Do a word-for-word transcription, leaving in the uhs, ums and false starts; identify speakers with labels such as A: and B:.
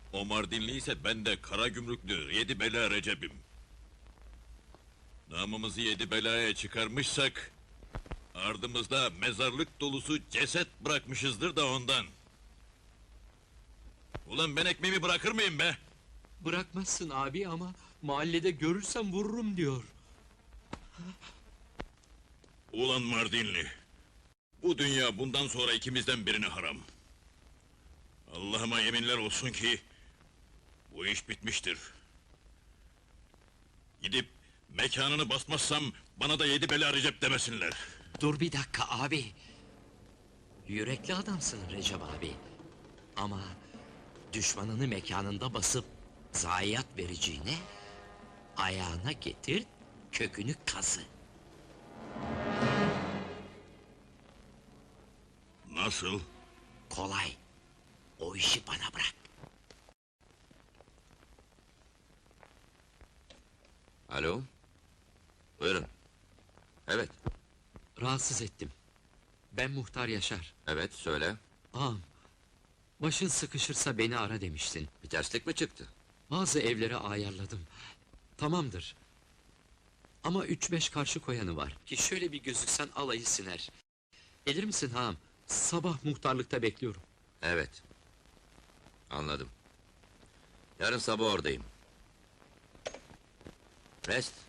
A: O Mardinli ise ben de kara gümrüklü yedi bela Recep'im. Namımızı yedi belaya çıkarmışsak... ardımızda mezarlık dolusu ceset bırakmışızdır da ondan. Ulan ben ekmeğimi bırakır mıyım be?
B: Bırakmazsın abi ama mahallede görürsem vururum diyor.
A: Ulan Mardinli! Bu dünya bundan sonra ikimizden birine haram. Allah'ıma yeminler olsun ki... bu iş bitmiştir. Gidip mekanını basmazsam bana da yedi bela Recep demesinler.
B: Dur bir dakika abi. Yürekli adamsın Recep abi. Ama düşmanını mekanında basıp zayiat vereceğine ayağına getir, kökünü kazı.
A: Nasıl?
B: Kolay. O işi bana bırak.
C: Alo? Buyurun. Evet,
B: Rahatsız ettim. Ben Muhtar Yaşar.
C: evet söyle.
B: Ağam, başın sıkışırsa beni ara demiştin.
C: Bir terslik mi çıktı?
B: Bazı evlere ayarladım. Tamamdır. Ama üç beş karşı koyanı var. Ki şöyle bir gözüksen alayı siner. Gelir misin ağam? Sabah muhtarlıkta bekliyorum.
C: Evet. Anladım. Yarın sabah oradayım. Rest.